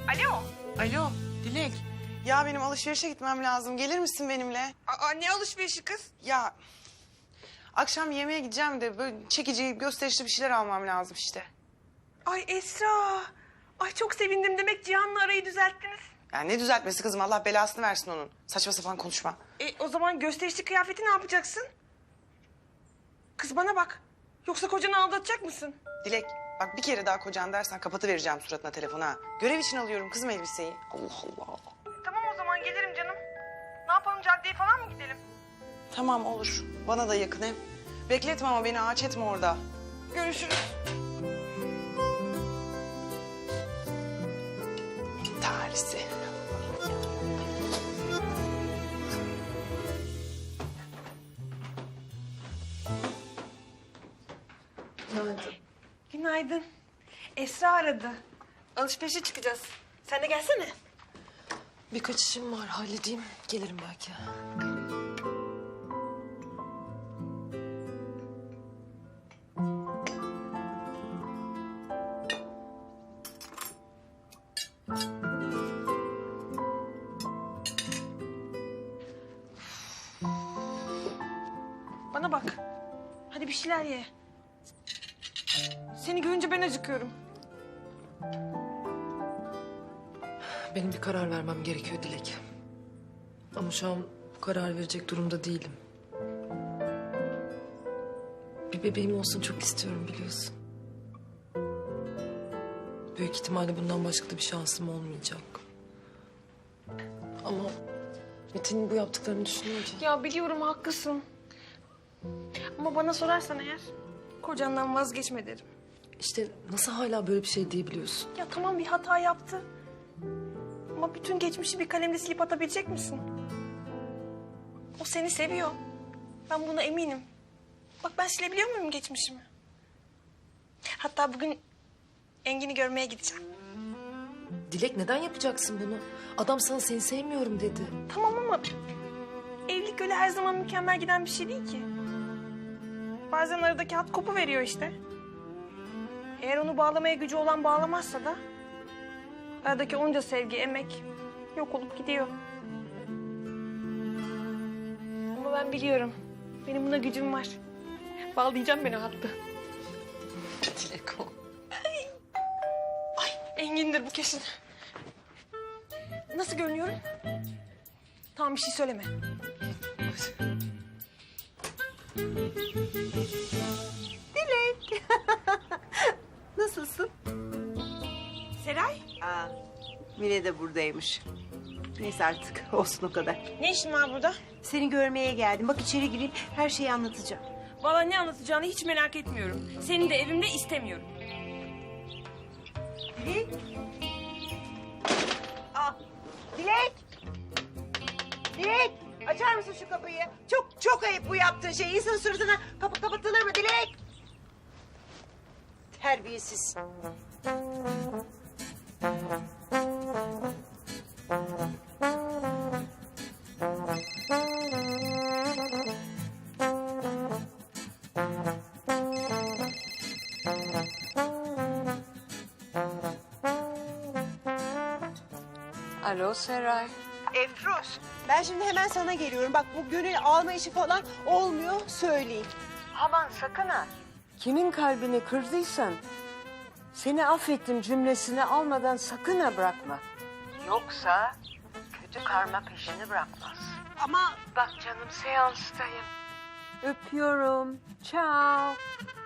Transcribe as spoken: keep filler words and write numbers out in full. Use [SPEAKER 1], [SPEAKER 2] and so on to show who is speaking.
[SPEAKER 1] Alo.
[SPEAKER 2] Alo Dilek. Ya benim alışverişe gitmem lazım. Gelir misin benimle?
[SPEAKER 1] Aa, ne alışverişi kız?
[SPEAKER 2] Ya akşam yemeğe gideceğim de böyle çekici, gösterişli bir şeyler almam lazım işte.
[SPEAKER 1] Ay Esra. Ay çok sevindim. Demek Cihan'la arayı düzelttiniz.
[SPEAKER 2] Yani ne düzeltmesi kızım, Allah belasını versin onun. Saçma sapan konuşma.
[SPEAKER 1] E, o zaman gösterişli kıyafeti ne yapacaksın? Kız bana bak. Yoksa kocanı aldatacak mısın?
[SPEAKER 2] Dilek bak, bir kere daha kocan dersen kapatıvereceğim suratına telefonu ha. Görev için alıyorum kızım elbiseyi. Allah Allah.
[SPEAKER 1] Tamam o zaman gelirim canım. Ne yapalım, caddeye falan mı gidelim?
[SPEAKER 2] Tamam olur. Bana da yakın hem. Bekletme ama beni, ağaç etme orada.
[SPEAKER 1] Görüşürüz.
[SPEAKER 2] Talihsi.
[SPEAKER 3] Günaydın.
[SPEAKER 1] Günaydın. Esra aradı. Alışverişe çıkacağız. Sen de gelsene.
[SPEAKER 3] Birkaç işim var, halledeyim. Gelirim belki.
[SPEAKER 1] Bana bak. Hadi bir şeyler ye. Seni görünce ben acıkıyorum.
[SPEAKER 3] Benim bir karar vermem gerekiyor Dilek. Ama şu an karar verecek durumda değilim. Bir bebeğim olsun çok istiyorum, biliyorsun. Büyük ihtimalle bundan başka da bir şansım olmayacak. Ama Metin'in bu yaptıklarını düşününce...
[SPEAKER 1] Ya biliyorum haklısın. Ama bana sorarsan eğer kocandan vazgeçme derim.
[SPEAKER 3] İşte nasıl hala böyle bir şey diyebiliyorsun?
[SPEAKER 1] Ya tamam, bir hata yaptı. Ama bütün geçmişi bir kalemle silip atabilecek misin? O seni seviyor. Ben buna eminim. Bak ben silebiliyor muyum geçmişimi? Hatta bugün Engin'i görmeye gideceğim.
[SPEAKER 3] Dilek neden yapacaksın bunu? Adam sana seni sevmiyorum dedi.
[SPEAKER 1] Tamam ama evlilik öyle her zaman mükemmel giden bir şey değil ki. Bazen aradaki hat kopu veriyor işte. Eğer onu bağlamaya gücü olan bağlamazsa da aradaki onca sevgi, emek yok olup gidiyor. Ama ben biliyorum. Benim buna gücüm var. Bağlayacağım ben o hattı.
[SPEAKER 3] Dilek o.
[SPEAKER 1] Ay Engin'dir bu kesin. Nasıl görünüyorum? Tamam, bir şey söyleme.
[SPEAKER 4] Nasılsın?
[SPEAKER 1] Seray,
[SPEAKER 4] Aa, Mine de buradaymış. Neyse artık olsun o kadar.
[SPEAKER 1] ne işin var burada?
[SPEAKER 4] Seni görmeye geldim. Bak içeri gireyim, her şeyi anlatacağım.
[SPEAKER 1] Vallahi ne anlatacağını hiç merak etmiyorum. Seni de evimde istemiyorum.
[SPEAKER 4] Dilek. Aa, Dilek. Dilek. Açar mısın şu kapıyı? Çok çok ayıp bu yaptığın şey. İnsanın suratına kapı kapatılır mı Dilek? Terbiyesiz.
[SPEAKER 5] Alo Seray.
[SPEAKER 4] Efruz, ben şimdi hemen sana geliyorum. Bak bu gönül alma işi falan olmuyor, söyleyeyim.
[SPEAKER 5] Aman sakın ha. Kimin kalbini kırdıysan seni affettim cümlesini almadan sakın ha bırakma. Yoksa kötü karma peşini bırakmaz.
[SPEAKER 4] Ama
[SPEAKER 5] Bak canım seanstayım. Öpüyorum. Ciao.